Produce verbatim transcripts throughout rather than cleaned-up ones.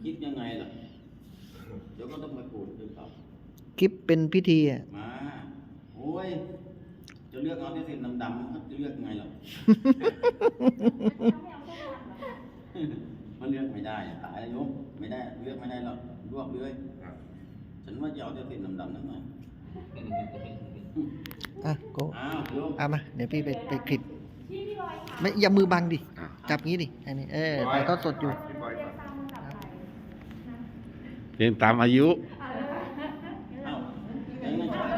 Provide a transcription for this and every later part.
คิดยังไงล่ะเดี๋ยวก็ต้องมาปูดด้วยครับคลิปเป็นพิธีอ่ะมาโอ้ยจะเลือกเอาที่เส้นดำๆครับจะเลือกไงล่ะ มันเลือกไม่ได้ตายแล้วโยมไม่ได้เลือกไม่ได้หรอกรวบเลยฉันว่าจะเอาแต่เส้นดำๆนั่นหน่อยอ่ะโกอ้าวโยมเอามาเดี๋ยวพี่ไปไปคลิปไม่อย่ามือบังดิจับงี้ดิอันนี้เออถ่ายทอดสดอยู่เรียนตามอายุเอ้าอย่างนั้นฉัน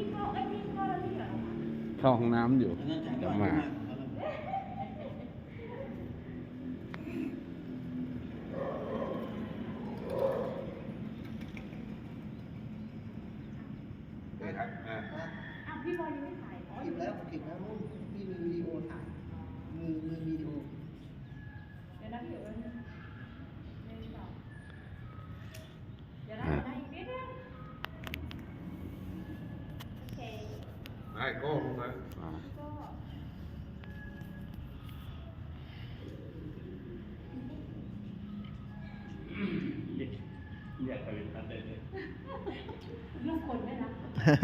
เข้าห้องน้ำอยู่อย่างนั้นฉันก็เดี๋ยวมามาพี่บอยยังไม่ถ่ายคลิปแล้วคลิปแล้วนู่นพี่มีวิดีโอถ่ายมือมือวิดีโอเดี๋ยวนะพี่เดี๋ยวนะหนึ่งสองเดี๋ยวนะได้อีกนิดนึงโอเคไอ้โก้ลงมาอ่าก็อยากไปเป็นพันเลยลูกคนได้นะ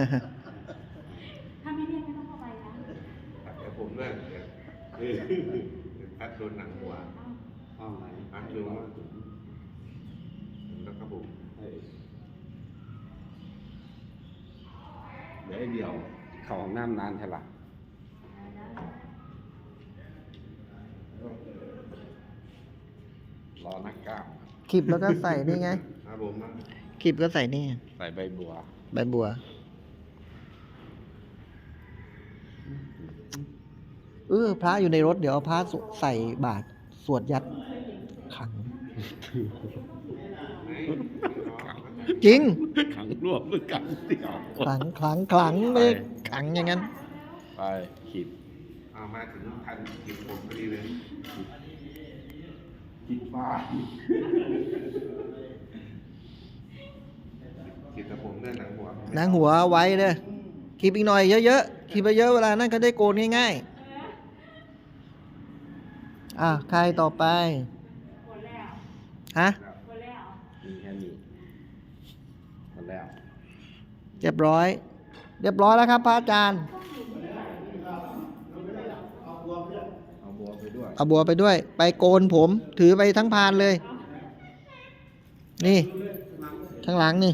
ถ้าไม่เรียกไม่ต้องเข้าไปนะแต่ผมเนี่ยคือพัดโดนหนังหัวห้องไหนพัดโดนแล้วก็ผมเฮ้ยเดี๋ยวไอ้เดียว เข้าห้องน้ำนานใช่ปะรอนักกล้ามคลิปแล้วก็ใส่นี่ไงครับผมนะคลิปก็ใส่นี่ใส่ใบบัวใบบัวเออพระอยู่ในรถเดี๋ยวเอาพระใส่บาตรสวดยัดขัง จริงขังรวบหรือขังเดี่ยวขลังขลังขลังไม่ได้ขังอย่างนั้นไปขีดเอามาถึงทันกินผมพอดีเลยขีดฟ้ากินแต่ผมเนี่ยหนังหัวนางหัวไว้เลยคลิปอีกหน่อยเยอะๆคลิปไปเยอะเวลานั่นก็ได้โกนง่ายๆอ่ะใครต่อไปหมดแล้วฮะหมดแล้วมีแค่นี้หมดแล้วเรียบร้อย เรียบร้อยแล้วครับพระอาจารย์เอาบัวไปด้วยเอาบัวไปด้วย ไปโกนผม ถือไปทั้งพานเลย นี่ ข้างหลังนี่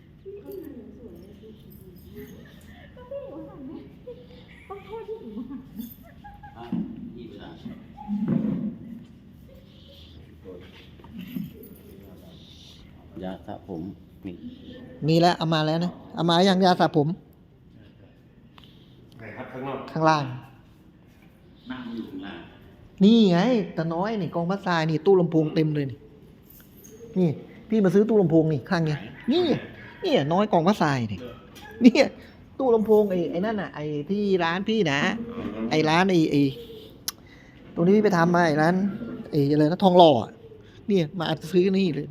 ต้องโทษที่อื่นอ่ะอีกแล้วยาสระผมนี่มีแล้วเอามาแล้วนะ เอามาอย่างยาสระผมไหนครับข้างนอกข้างล่างนั่งอยู่ข้างล่างนี่ไงตาน้อยนี่กองพัดทรายนี่ตู้ลำโพงเต็มเลยนี่นี่พี่มาซื้อตู้ลำโพงนี่ข้างเนี้ยนี่นี่น้อยกองพัดทรายนี่นี่ตู้ลำโพงไอ้ไอ้นั่นน่ะไอ้ที่ร้านพี่นะไอ้ร้านไอ้ไอ้ตรงนี้พี่ไปทำมาไอ้ร้านไอ้อะไรนะทองหล่ออะเนี่ยมาซื้อนี่เลย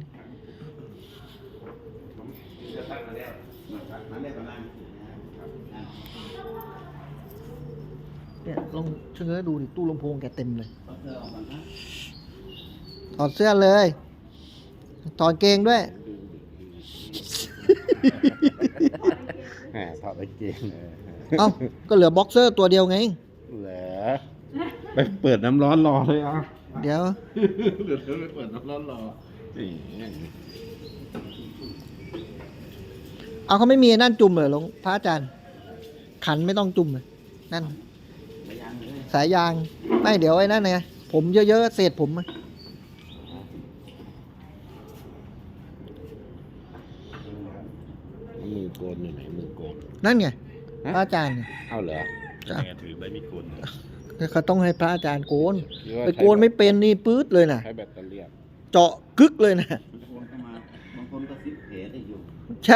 จะตั้งมาแล้วมาได้ประมาณครับอ่ะเนี่ยลองเชื่อดูดิตู้ลำโพงแกเต็มเลยเอาเสื้อออกก่อนนะถอดเสื้อเลยถอดเกงด้วยแหมถอดกางเกงเอ้าก็เหลือบ็อกเซอร์ตัวเดียวไงเหรอไปเปิดน้ำร้อนรอเลยอ่ะเดี๋ยวเดี๋ยวไปเปิดน้ำร้อนรอนี่เอาเขาไม่มีนั่นจุ่มเหรอหลวงพระอาจารย์ ขันไม่ต้องจุ่มเลยนั่นไปยังเลยสายยางไม่เดี๋ยวไอ้นั่นไงผมเยอะๆเศษผมอะมือโกนอยู่ไหนมือโกนนั่นไงพระอาจารย์ไงเอาเหรอจ้ะถือใบมีดโกนเขาต้องให้พระอาจารย์โกนหรือว่าไปโกนไม่เป็นนี่ปื๊ดเลยนะใช้แบตเตอรี่เจาะกึกเลยนะบางคนก็มาบางคนก็ซิปเพจได้อยู่ใช่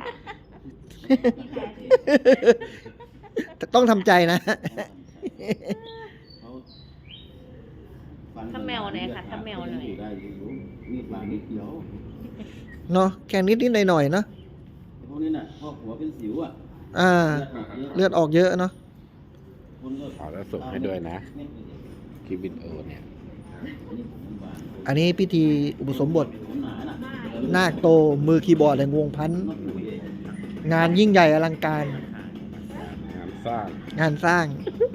แต่ต้องทำใจนะเขาฟันถ้าแมวไหนคะถ้าแมวหน่อยได้อยู่มีดบางนิดเดียวเนาะแค่นิดนิดหน่อยหน่อยๆเนาะพวกนี้น่ะพวกหัวเป็นสิวอ่ะอ่าเลือดออกเยอะเลือดออกเยอะเนาะคนก็ขอแล้วส่งให้ด้วยนะเม็ดเดียวคลิปวิดีโอเนี่ยอันนี้ผมบางอันนี้พิธีอุปสมบทผมหนาน่ะนาคโตมือคีย์บอร์ดแห่งวงพันธุ์นกปุ๋ยเองงานยิ่งใหญ่อลังการงานสร้างงานสร้าง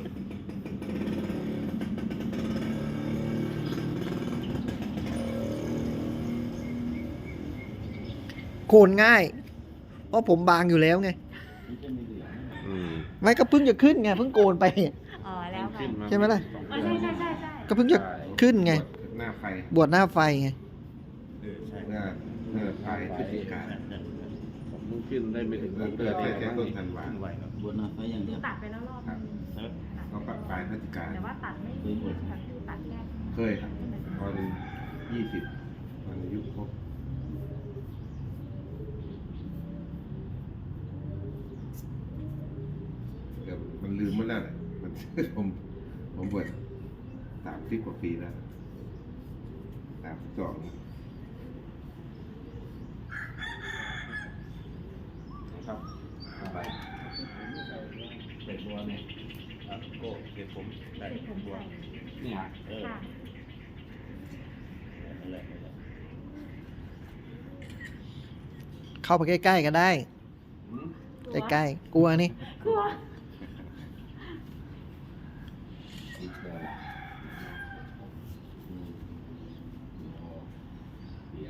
โคนง่าย เพราะผมบางอยู่แล้วไงมันจะไม่เหลืองอืมไม่ก็เพิ่งจะขึ้นไงเพิ่งโกนไปอ๋อแล้วค่ะขึ้นาใช่ไหมล่ะอ๋อใช่ใช่ใช่ใช่ก็เพิ่งจะขึ้นไงหน้าไฟบวชหน้าไฟไงหน้าหน้าไฟพฤศจิกาผมเพิ่งขึ้นได้ไม่ถึงเกิดเดือนแค่เลยแค่ต้นธันวาบนหน้าไฟอย่างเดียวตัดไปแล้วรอบนึงก็ปรับปลายพฤศจิกาแต่ว่าตัดไม่ดีค่ะคือตัดแค่เคยครับตอนยี่สิบตอนอายุครบเดี๋ยวมันลืมหมดแล้วแหละมัน ผมผมบวชสามสิบกว่าปีแล้วสามสิบสองครับไปเป็ดบัวเนี่ยครับโก้เก็บผมได้ติดผมบัวใส่เนี่ยเออค่ะนั่นแหละนั่นแหละเข้าไปใกล้ๆก็ได้ ใกล้ๆกลัวนี่กลัวติดเลยอืมโอ้เดี๋ยว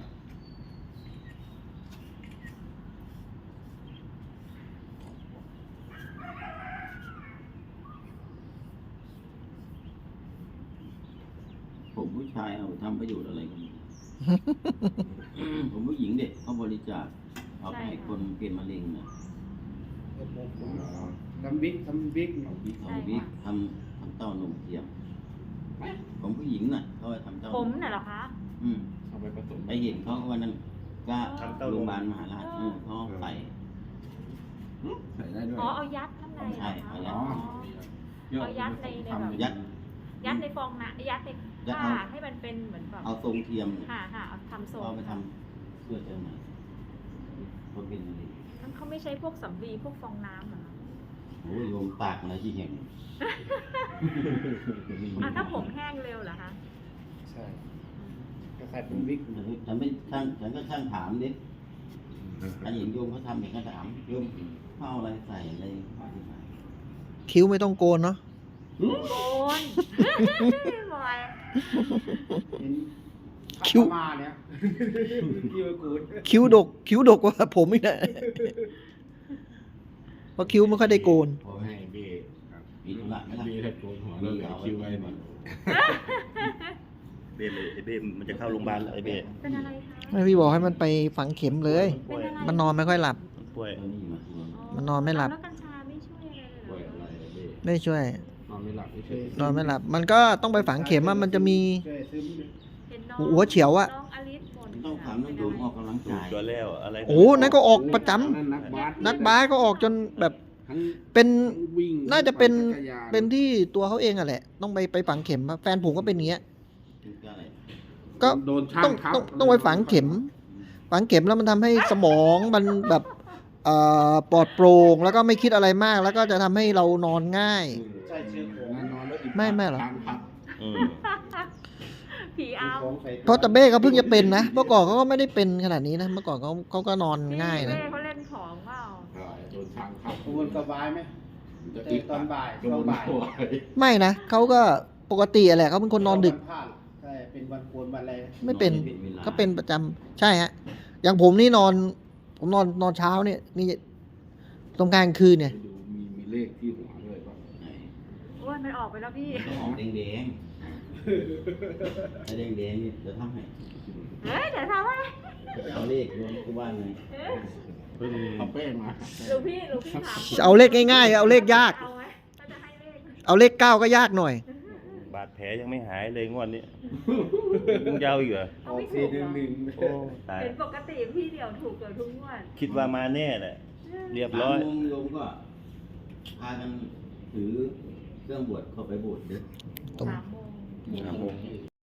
ผมผู้ชายเอาไปทำประโยชน์อะไรกัน ผมผู้หญิงเด็กเขาบริจาคเอาไปให้คนเป็นมะเร็งนะทำบิ๊กทำบิ๊กเอาวิกทำวิกทำทำเต้านมเทียมผมผู้หญิงน่ะเขาไปทำเต้าผมนมน่ะเหรอคะอืมเอาไปผสมไปเห็นเขาวันนั้นก็โรงพยาบาลมหาราชเออเขาไปใส่ได้ด้วยอ๋อเอายัดข้างในเหรอใช่คะเอายัดอ๋อ เอายัดในในแบบยัดยัดในฟองนะยัดในยัดผ้าเอาให้มันเป็นเหมือนแบบเอาทรงเทียมค่ะค่ะเอาทำทรงเอาไปทำเพื่อเจอไหนคนเป็นมะเร็งทั้งเขาไม่ใช้พวกสำลีพวกฟองน้ำเหรอคะโอ้ยโยมปากอะไรที่เห็นอ่ะถ้าผมแห้งเร็วเหรอคะใช่ก็ใส่เป็นบิ๊กฉันไม่ช่างฉันก็ช่างถามดิอันเห็นโยมเขาทำเห็นก็ถามโยมเข้าอะไรใส่อะไรอธิบายคิ้วไม่ต้องโกนเนาะโกน บอยคิ้วมาเนี่ยคิ้วกูดคิ้วดก คิ้วดกกว่าผมอีกนะเพราะคิ้วไม่ค่อยได้โกนพอให้เบ้มีธุระไหมล่ะมีให้โกนหัวแล้วเหลือคิ้วไว้หน่อยเบ้เลยไอ้เบ้มันจะเข้าโรงพยาบาลแล้วไอ้เบ้เป็นอะไรคะไม่พี่บอกให้มันไปฝังเข็มเลยป่วยเป็นอะไรมันนอนไม่ค่อยหลับป่วยเออนี่มาทวงมันนอนไม่หลับแล้วกัญชาไม่ช่วยอะไรเลยเหรป่วยออะไรอะเบ้ไม่ช่วยนอนไม่หลับไม่ใช่นอนไม่หลับ มันก็ต้องไปฝังเข็มอะมันจะมีเห็นน้องหัวเฉียวอะน้องอลิสบ่นต้องถามน้องโยมออกกำลังถูกกายตัวแล้วอะไรโอ้นั่นก็ออกประจำนั่นนักบาสนักบาสก็ออกจนแบบทั้งเป็นทั้งวิ่งน่าจะเป็นทั้งปั่จักรยาเป็นที่ตัวเขาเองอะแหละ ต้องไปไปฝังเข็มอะแฟนผมก็เป็นอย่างเงี้ยถึงจะอะไรก็โดนช่าต้องทับต้องต้องไปฝังเข็ม ฝังเข็มแล้วมันทำให้สมองมันแบบเอ่อปลอดโปร่งแล้วก็ไม่คิดอะไรมาก แล้วก็จะทำให้เรานอนง่ายใช่เชื้อโควิดนอนแล้วอิ่ไม่ไม่หรอทางพับอืมผีเอาเพราะตะเบ้เขาเพิ่งจะเป็นนะ เมื่อก่อนเขาก็ไม่ได้เป็นขนาดนี้นะ เมื่อก่อนเขาเขาก็นอนง่ายนะแม่เขาเล่นของเปล่าใช่โดนช้างทับกระวนกระวายไหมจะเจอตอนบ่ายโดช่วงนบ่ายหัวไม่นะเขาก็ปกติอะแหละเขาเป็นคนนอนดึกวัพลาดใช่เป็นวันโกนวันอะไรไม่เป็นนอนไม่วลาก็เป็นประจำใช่ฮะ อย่างผมนี่นอน ผมนอนนอนเช้าเนี่ยนี่ตรงกลางคืนเนี่ยดูมีมีเลขที่หัวด้วยป่ะไหนโอ้ยมันออกไปแล้วพี่ต้องออกแดงๆไอ้แดงๆนี่จะทำให้เฮ้ยเดี๋ยวทำอะไรเอาเลขรวมที่บ้านไงเพิ่งเอาแป้งมาหลวงพี่หลวงพี่ถามเอาเลขง่ายๆ เอาเลขยากเอาไหมก็จะให้เลขเอาเลขเก้าก็ยากหน่อยบาดแผลยังไม่หายเลยงวดนี้ยังยาวอีกเหรอเอาไม่ถูกเหรอโอ้ตายเห็นปกติพี่เดี่ยวถูกเกือบทุกงวดคิดว่ามาแน่แหละเรียบร้อยสามโมงโยมก็พากันถือเครื่องบวชเข้าไปบวชเด้อตรงสามโมงสามโมง